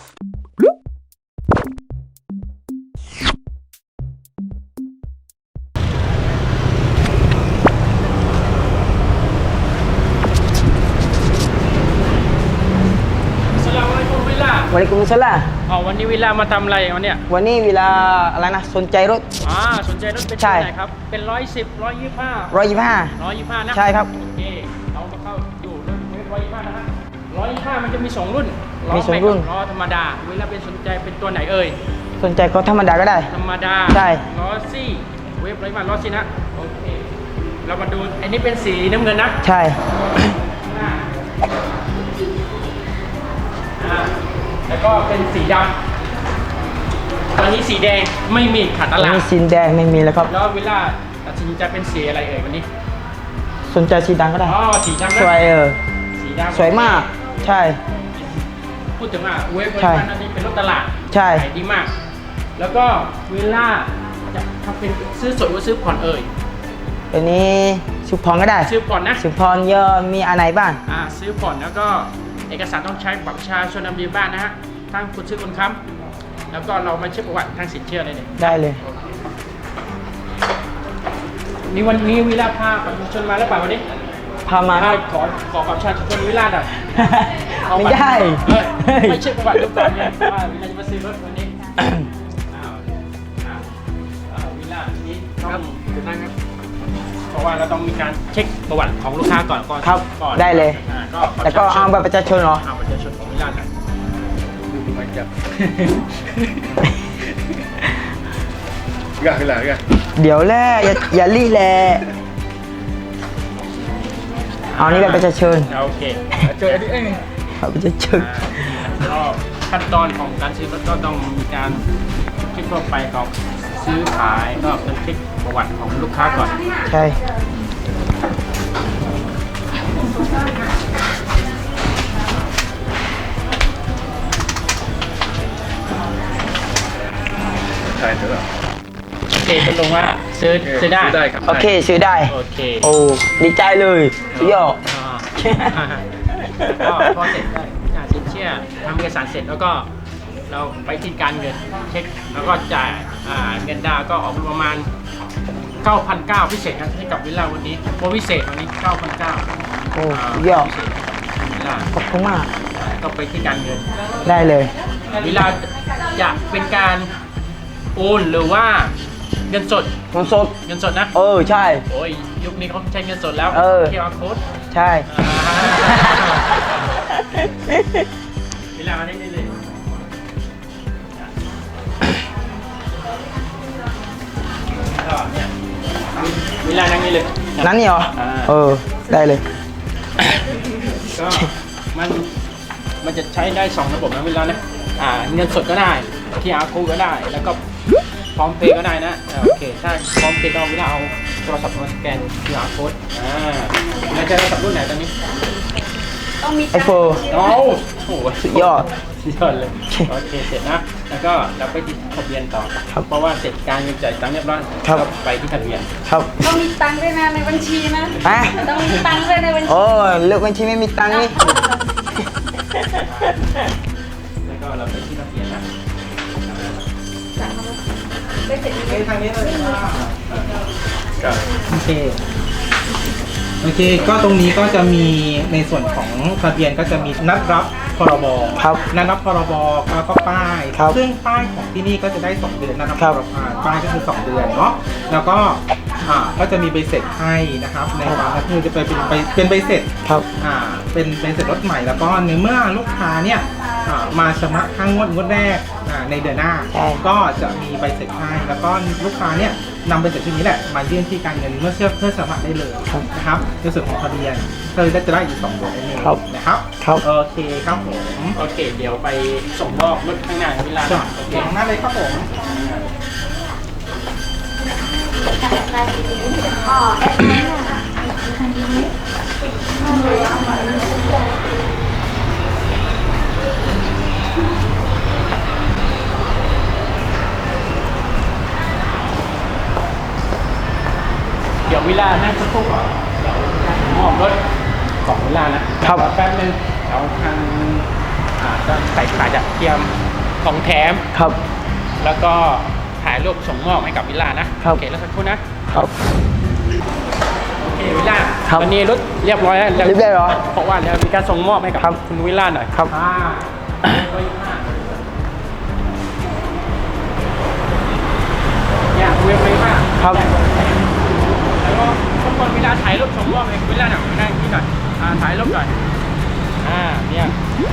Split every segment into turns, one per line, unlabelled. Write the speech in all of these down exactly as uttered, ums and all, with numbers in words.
วะลัยกุมสลาม
อ๋อวันนี้วิลามาทำอะไรวันเนี้ย
วันนี้วิลาอะไรนะสนใจรถ
อ่าสนใจรถเป็นตัวไหนครับเป็นร้อยสิบร้อยยี่สิบห้า
ร้อยยี่สิบห้า
ร้อยยี่สิบห้านะ
ใช่ครับ
โอเคเรามาเข้าอยู่รถร้อยยี่สิบห้านะฮะร้อยยี่สิบห้ามันจะมีสองรุ่น
มีสองรุ่น
ล้อธรรมดาวิลาเป็นสนใจเป็นตัวไหนเอ่ย
สนใจก็ธรรมดาก็ได้
ธรรมดา
ใช่
ล้อซี่เวฟร้อยยี่สิบห้าล้อซี่นะโอเคเรามาดูอันนี้เป็นสีน้ำเงินนะ
ใช่
แล้วก็เป็นสีดำตอนนี้สีแดงไม่มีขาดตลาด
มีสีแดงไม่มีแล้วครับ
แล้ววิลล่าตัดสินใจเป็นสีอะไรเอ่ยวันนี้
สนใจสีดำก็ได้
อ๋อสีดำ
สวยเออ
สีดำ
สวยมากใช่
พูดถึงว่าเวฟเวอร์ชันนั้นเป็นรถตลาด
ใช่
ขายดีมากแล้วก็วิลล่าจะทำเป็นซื้อสดหรือซื้อผ่อนเอ่ย
อันนี้ซื้อผ่อนก็ได้
ซื้อผ่อนนะ
ซื้อผ่อนเยอะมีอะไรบ้าง
อ่าซื้อผ่อนแล้วก็เอกสารต้องใช้บัตรประชาชนนำเรียนบ้านนะฮะทั้งคุณซื้อคุณค้ำแล้วก็เรามาเช็คประวัติทางสินเชื่อเลยเนี่ย
ได้เลย
นี่วันนี้วิลาพาประชาชนมาแล้วเปล่าวันนี้
พามา
ขอขอประชาชนวิลาหน่อย
ไม่ได้
ไม่เช็คประวัติดูก่อนเนี่ยว่าวิลาจะมาซื้อรถวันนี้วิลานี้ต้องจะนั่งครับเพราะว่าเราต้องมีการเช็คประวัติของลูกค้าก่อนก่อน
ครับได้เลยแล้วก็เอาบัตรประชาชนเหรอ
เอาบัตรประชาชนของวิลาหน่อยดูมันจะกะอะไรกัน
เดี๋ยวแหละอย่าอย่ารีแหละเอานี่บัตรประชาชน
โอเคเจออันนี้เอง
บัตรประชาชน
ก็ขั้นตอนของการซื้อรถก็ต้องมีการเช็คทั่วไปของซื้อขายก็ต้องเช็คประวัติของลูกค้าก่อน
ใช่
ใช่เถอะโอเคตกลงว่าซื้อซื้อได้
โอเคซื้อได้
โอเค
โอ้ดีใจเลยสุดยอด
ก็พอเสร็จได้สินเชื่อทำเอกสารเสร็จแล้วก็เราไปที่การเงินเช็คแล้วก็จ่ายเงินดาวก็ออกประมาณ เก้าพันเก้าร้อย พิเศษให้กับวิลล่าวันนี้โปรพิเศษวันนี้ เก้าพันเก้าร้อย
โอ้ยอดขอบคุณมาก
ก็ไปที่การเงิน
ได้เลย
วิลล่าจะเป็นการโอนหรือว่าเงินสด
เงินสด
เงินสดนะ
เออใช่
โอ้ยยุคนี้เขาใช้เงินสดแล้ว
เออ
คิว อาร์ Code
ใช่
วิลล่ามาได้เลยวิลล่านั่งนี่เลย
นั่งนี่เหรอเออได้เลย
ก็มันมันจะใช้ได้สองระบบนะวิลล่านะอ่าเงินสดก็ได้ คิว อาร์ Code ก็ได้แล้วก็พร้อมเพย์ก็ได้นะโอเคถ้าพร้อมเพย์ก็วิลล่าเอาโทรศัพท์มาสแกน คิว อาร์ Code อ่าแล้วจะโทรศัพท์รุ่นไหนตอนนี้
ต้องมีไอโฟน
โอ้โห
สุดยอด
สุดยอดเลยโอเคเสร็จนะแล้วก็เราไปที่ทะเบียนต่อเพราะว่าเสร็จการเงินจ่ายตังค์เรียบร้อยก็ไปที่ทะเบียน
ครับ
ต้องมีตังค์ด้วยนะในบัญชีนะต้องมีตังค์ด้วยในบัญชี
โอ้เลือกบัญชีไม่มีตังค์นี่
แล้วก็เราไปที่ทะเบียนนะ
ไปเสร็จนี้
ทางนี้เลย
โอเคโอเคก็ตรงนี้ก็จะมีในส่วนของทะเบียนก็จะมีนัดรับพรบ
ครับ
นัดรับพรบแล้วก็ป้ายซึ่งป้ายของที่นี่ก็จะได้สองเดือนนัดรับพรบป้ายก็คือสองเดือนเนาะแล้วก็อ่าก็จะมีใบเสร็จให้นะครับในบางก็คือจะไปเป็นใบเป็นใบเสร็จ
ครับ
อ่าเป็นใบเสร็จรถใหม่แล้วก็ในเมื่อลูกค้าเนี่ยมาชำระค่างวดงวดแรกในเดือนหน้าก็จะมีใบเสร็จให้แล้วก็ลูกค้าเนี่ยนำใบเสร็จชุดนี้แหละมายื่นที่การเงินเมื่อเชื่อเพื่อสมัครได้เลยนะครับในส่วนของทะเบียนเธอจะได้อีกสองเดือนนั่นเองนะครับโอเคครับผม
โอเคเดี๋ยวไปส่งมอบรถข้างหน้าเวลา
โอเคข้างหน้าเลยครับผม
เดี๋ยวเวลานั่งสักครู่ก่อนเดี๋ยวมอบรถของเวลานะครับแป๊บนึงเราทางก็ใส่สายจะเทียมของแถม
ครับ
แล้วก็ถ่ายรูปส่งมอบให้กับวิลล่านะครับ โอเคแล้วสักครู่นะครับ โอเควิลล่า
ครับ
ตอนนี้รถเรียบร้อยแล้ว
เรียบร้อยเหรอ
เพราะว่าเดี๋ยวมีการส่งมอบให้กับ
ครับ
คุณวิลล่าหน่อย
ครับ
อ่าเนี่ยเว็บไม่มาก
ครับ
แล้วก็ทุกคนเวลาถ่ายรูปส่งมอบให้วิลล่าหน่อยนั่งที่หน่อยอ่าถ่ายรูปหน่อยอ่าเนี่ย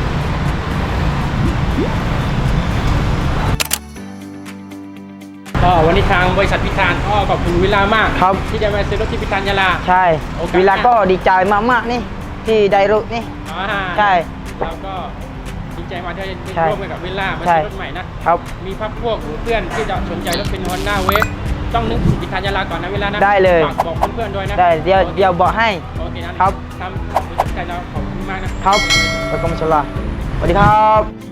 ก็วันนี้ทางบริษัทพิธานก็ขอบคุณวิลล่ามาก
ครับ
ที่ได้มาซื้อรถที่พิธานยาลา
ใช่
โอกาส
เวลาก็ดีใจมากๆนี่ที่ได้รถนี่
อ่า
ใช่
เราก็ดีใจมากที่ได้
ใช่
ร่วมกันกับวิลล่ามา
ใช่
ซื้อรถใหม่นะครับ มีพักพวกหรือเพื่อนที่จะสนใจรถเป็น Honda Wave ต้องนึกถึงพิธานยาลาก่อนนะวิลล่านะ
ได้เลย
ฝากบอกเพื่อนๆด้วยนะ
ได้เดี๋ยว
โอค
เดี๋ยวบอกให้
โอเคนะครับ ทำบริษัทใจเราขอบคุณมากนะครับ
แล้วก็มาชลาสวัสดีครับ